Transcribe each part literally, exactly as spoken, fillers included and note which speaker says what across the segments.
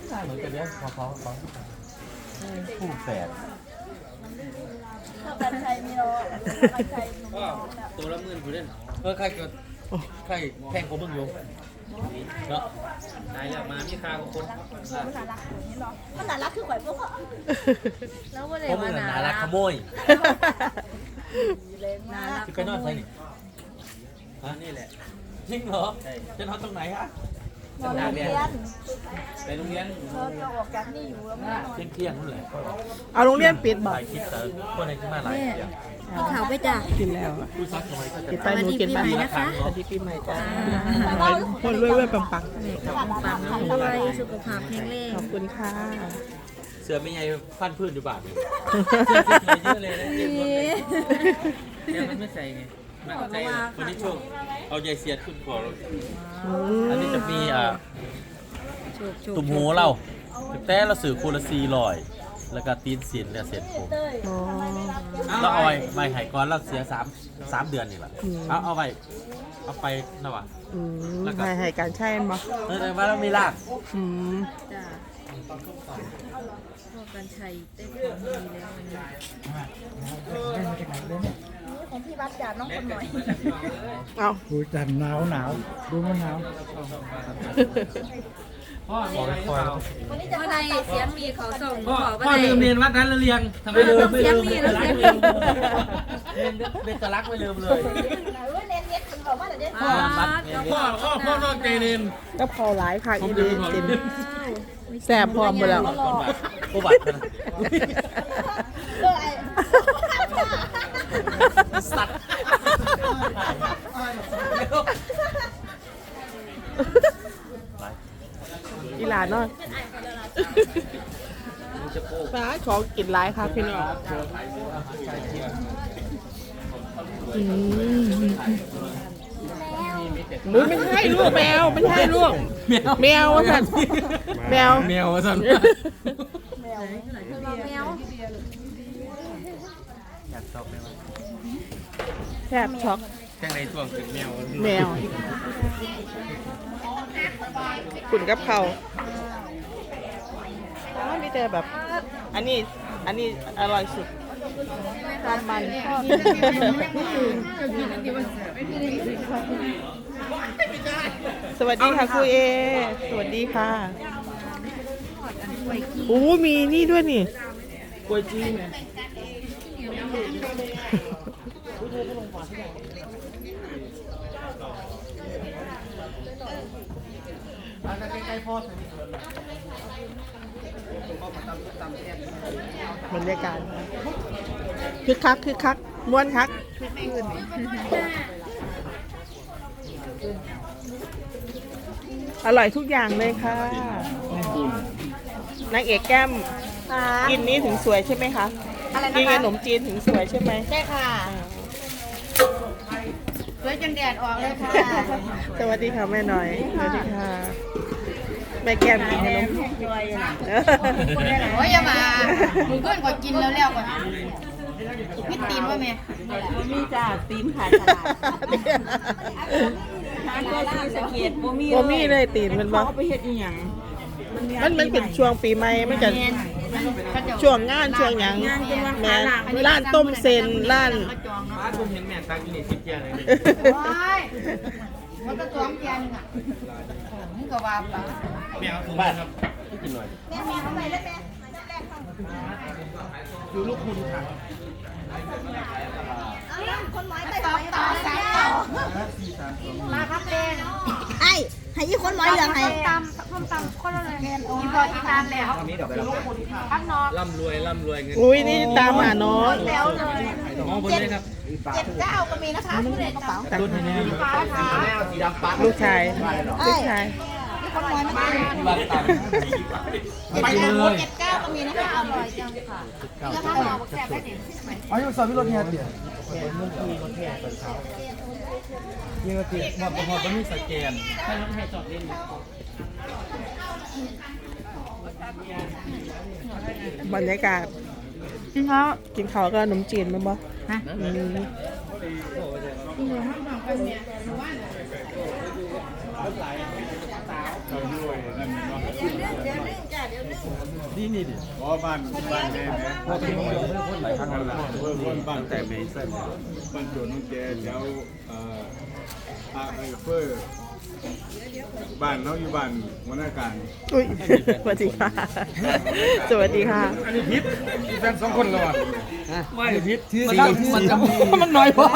Speaker 1: เหมือนกันเนี่ยพอเขาเขาคู่แฝด
Speaker 2: กันชัยมีโรกันชัย
Speaker 1: ตัวละหมื่นกูเล่นเออใครก็ใครแพงกว่ามึงอยู่เนาะตายแล้วมามีค่าของคน
Speaker 2: มันน่ารักอย่างนี้หรอมันน่ารักคือข่อยพวกเขา
Speaker 3: แล้วว่าเลย
Speaker 1: เพราะมึ
Speaker 3: ว่าง
Speaker 1: น่ารักขโมย
Speaker 2: น่ารัก
Speaker 1: ไปนอนใส่นี่ฮะนี่แหละจริงเหรอจะนอนตรงไหนฮะ
Speaker 2: นอนโรงเรียน
Speaker 1: ไปโรงเรียน
Speaker 2: เราเราออกจากนี่อยู่แล้วไม่นอน
Speaker 1: เที่ยงเที่ยงนั่นแหละ
Speaker 4: เอาโรงเรียนปิดบ่
Speaker 1: หลายคลิปแต่คนไหนที่มาหลายเที่ยง
Speaker 3: เขาไปจ้ะ
Speaker 4: กินแล้ว
Speaker 1: ผู้ซักทำไมก็จะ
Speaker 4: กินไปหนูกินไป
Speaker 3: นะคะ
Speaker 4: สวัสดีปีใหม่จ้าคนรวยเว้ยปังปัง
Speaker 3: ปังรวยสุขภาพแข็งแรง
Speaker 4: ขอบคุณค่ะ
Speaker 1: เสือไม่ใหญ่ฟันพื้นอยู่บาทเลยเยอะเลยนะเนี่ยมันไม่ใส่ไงมันใส่วันนี้ช่วงเอาใยเสียดขึ้นคอเราอันนี้จะมีอ่าตุ่มหูเราแต่เราสื่อคูละซีลอยแล้วก็ตีนสินเนี่ยเสร็จผมเราเอาไว้ใบไห่ก้อนเราเสียสามสามเดือนนี่แหละเอาเอาไว้เอาไปนะวะ
Speaker 4: แล้วก็ให้การใช้บ่
Speaker 1: เออมาแล้วมีราก
Speaker 4: อืม
Speaker 3: จ้ะพ่อกันชัยได้ของดีแล้ววันนี้
Speaker 2: ของพี่วัดจ่าน้องคนหน่อย
Speaker 4: เอา
Speaker 5: ดูจันหนาวหนาวดูมันหนาว
Speaker 1: พ่อมีอะไรเปล่า
Speaker 3: เมื่อไรเสียงมีเขาส่ง
Speaker 1: พ่อ
Speaker 3: บอกว่า
Speaker 1: พ่อลืมเรียนวัดนั้นแล้วเรียงทำไมลืมไม่ลืมเรียนเรียนเรียนตะลักไม่ลืมเลย
Speaker 2: เน้นเน้นคนบอกว่าเดี๋ยว
Speaker 1: พ่อพ่อพ่อพ่อนอกใจเรียน
Speaker 4: ก็พอหลายค่ะอีเดนกินแซ่บพร้อมหมดแล้ว
Speaker 1: ผู้บัตรนะสัตว์
Speaker 4: อีหลานเนาะฟ้าของกินหลายค่ะพี่น้องอืมมุ้ยไม่ใช่ลูกแมวไม่ใช่ลูกแมววะสันแมว
Speaker 1: แมววะสัน
Speaker 3: แมวแมว
Speaker 1: อยากชอบไหมวะ
Speaker 4: แทบช็อก
Speaker 1: แค่ในช่วงถึงแมว
Speaker 4: แมวขุ่นกับเขาไม่เจอแบบอันนี้อันนี้อร่อยสุดความมันสวัสดีค่ะครูเอสวัสดีค่ะโอ้มีนี่ด้วยนี่กล้วยจี้เนี่ยบรรยากาศคึกคักคึกคักม้วนคักอร่อยทุกอย่างเลยค่ะนางเอกแก้มกินนี้ถึงสวยใช่ไหมคะกินขนมจีนถึงสวยใช่ไหม
Speaker 2: ใช่ค่ะสวยจนแดดออกเลยค่ะ
Speaker 4: สวัสดีค่ะแม่หน่อยสวัสดีค่ะแม่แก้มกินขนม
Speaker 2: โอ้ยอย่ามาหนูเพื่อนก็กินแล้วแล้วก่อนพี่ตีนว่าแม่
Speaker 3: มีจ้าตีนขายตลาดทานก็ซีสเกียรติบ่มี
Speaker 4: บ่มีเลยตีนมันบ่
Speaker 3: เขาไปเฮ็ดอีหยัง
Speaker 4: มันมันเป็นช่วงปีใหม่มันจะช่วงงานช่วงหยังแม่ร้านต้มเซนร้าน
Speaker 1: ป้าคุณเห็นแม่ตังกินสิบเจียเลย
Speaker 2: มันก็ตัวแกนอ่ะมึงก็ว่าปะ
Speaker 1: แมวบ้านครับกินหน่อย
Speaker 2: แม่แม่ทำไมแล้วแม่
Speaker 1: ดูลูกคุณค่ะ
Speaker 2: คนหมอยไปต่อต่อสายต่อมาครับเต้นไอ้ให้ยี่คนหมอยเหลืองให้ตำส้มตำคนละเลยอีพออีตามแล้วข้างนอก
Speaker 1: ร่ำรวยร่ำรวยเงิน
Speaker 4: อุ้ยนี่ตามหาน้อง
Speaker 2: แล้วเลย
Speaker 1: น้องคนนี้ครับ
Speaker 2: เจ็ดเก้าก็มีนะคะผู้เด็กกระเป๋า
Speaker 1: แต่รุ่นนี้สีดำปัด
Speaker 4: ลูกชายลูกชาย
Speaker 2: คนหมอยมา
Speaker 1: บ้านต่ำ
Speaker 2: เจ็ดเก้าเจ็ดเก้าก็มีนะคะอร่อยจังค่ะแล้วข้าวหอมแซ่บได้ดิ
Speaker 5: อ๋อยังสอนพี่รถเนี่ยเตี๋ย
Speaker 1: เมื่อกี้เขาแค่ตอนเช้านี่ก็คือหมดหมดก็มีสแกนให้รถแห่จอดเล่น
Speaker 4: บรรยากาศกินข้าวกินข้าวกับขนมจีนมั้ยบ่ฮะ
Speaker 2: เดี๋ยวนึงจ้ะ
Speaker 1: นี่นี่ดิ
Speaker 6: เพราะบ้านบ้านแม่แม่พ่อเป็นคนคนหลายครั้งแล้วเพื่อนคนบ้านแต่เมย์เส้นบ้านโจนน้องแกแถวเอ่ออาไอเฟอร์บ้านเขาอยู่บ้านหัวหน้าการ
Speaker 4: อุ้ยสวัสดีค่ะสวัสดีค่ะ
Speaker 5: อันนี้พิษมีแฟนสองคนแล้วอ่ะ
Speaker 1: ไม่พิษที่
Speaker 5: มันมันจะมันน้อยพอ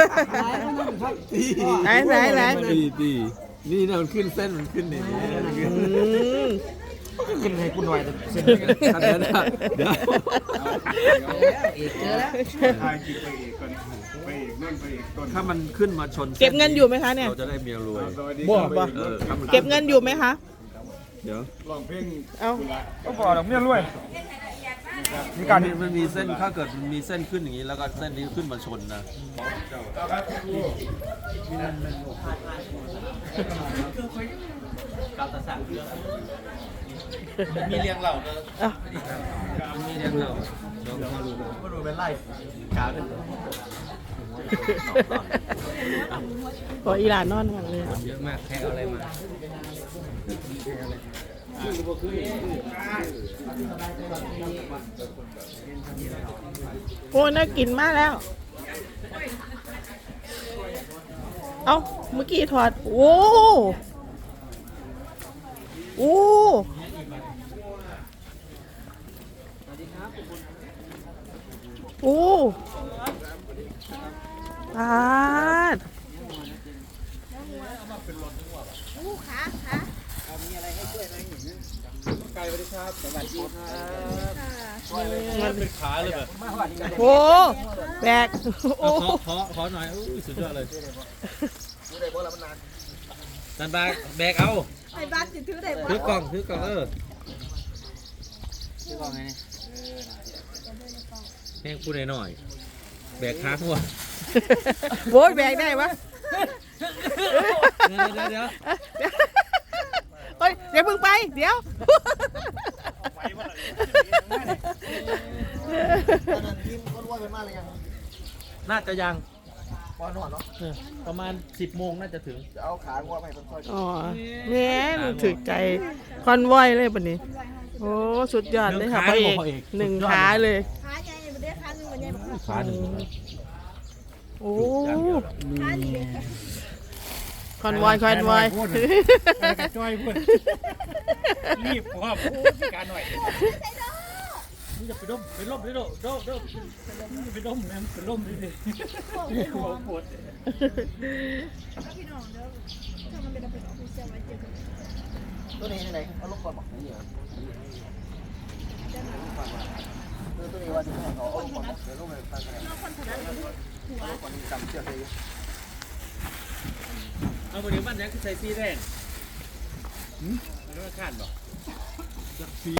Speaker 4: ไหนไหนไหน
Speaker 1: ตีตีนี่เนี่ยมันขึ้นเส้นมันขึ้นนี่
Speaker 4: อืม
Speaker 5: ขึ้นให้กูหน่อยเส้น
Speaker 1: เดี๋ยวเดี๋ยว
Speaker 6: ทายกินไปอีกก่อนไปอีกนั่นไปอีกต้น
Speaker 1: ถ้ามันขึ้นมาชน
Speaker 4: เก็บเงินอยู่ไหมคะเนี่ย
Speaker 1: เราจะได้เมียรวย
Speaker 6: สวัสดี
Speaker 5: บ่
Speaker 6: ครับ
Speaker 5: บ่
Speaker 1: เออครับ
Speaker 4: เก็บเงินอยู่ไหมคะ
Speaker 1: เดี๋ยว
Speaker 6: ลองเพลง
Speaker 4: เอา
Speaker 5: ก็พอดอกเบี้ยรวยมีการ
Speaker 1: มันมีเส้นถ้าเกิดมันมีเส้นขึ้นอย่างนี้แล้วก็เส้นนี้ขึ้นมาชนนะมีเลี้ยงเหล่าเนอะ
Speaker 4: เอา
Speaker 1: มีเลี้ยงเหล่าลองมาดูมาดูเป็นไล่กาขึ้น
Speaker 4: ขออีหลานนอนหมดเลย
Speaker 1: เยอะมากแค่เอาอะไรมา
Speaker 4: โอ้น่ากินมากแล้ว เอาเมื่อกี้ถอด โอ้โอ้โอ้ปาด
Speaker 1: มันเป็นขาเลยแบบ
Speaker 4: โอ้แบกโอ้
Speaker 1: ขอขอขอหน่อยอุ้ยสุดยอดเลยนันบาแบกเอา
Speaker 2: ไอ้บ้านสิถือได้บ่
Speaker 1: ถือกล่องถือกล่องเออถือกล่องไงเนี่ยแม่งพูดหน่อยๆแบกขาหัว
Speaker 4: โว้ยแบกได้ปะ
Speaker 1: เดี๋ยวเดี๋ยวเดี๋ยว
Speaker 4: เฮ้ยเดี๋ยวเพิ่งไป เดี๋ยว
Speaker 1: น่าจะยัง
Speaker 5: พอนอนเนาะ
Speaker 1: เออประมาณสิบโมงน่าจะถึง
Speaker 5: จะเอาขางัวไปต้นซอย
Speaker 4: อ๋อแหม่มันถึกใจคอนวอยเลยปะนี้ โอ้ สุดยอดเลยค่ะพระเอกหนึ่งขาเลย
Speaker 2: ขาใหญ่บ่ได้ขาหนึงบ่ใหญ่บ่
Speaker 1: ขาหนึ่ง
Speaker 4: โอ้
Speaker 2: ขาดี
Speaker 4: คอนวอยคอนวอย
Speaker 5: จ้อยพูดรีบว่าการหน่อย
Speaker 1: นี่จะไปร่มไปร่มไปร่มร่มร่ม
Speaker 5: ไปล้มนะไปล้มดิดิหัวปวด
Speaker 2: พี่น้องเด้อถ้ามันเป็นเอาเป็นออฟฟิเชียลไว้เจอกัน
Speaker 5: ตัวนี้ไหนเอาลงก่อนบอกนี่เหรอตัวนี้ว่าจะเขาเอาก่อนเดี๋ยวลงไปตั้งกันเอาก่อนจำเชือกเลย
Speaker 1: เอาไปเดี๋ยวมันยังใส่ซีแดงมันไม่ขาดหรอก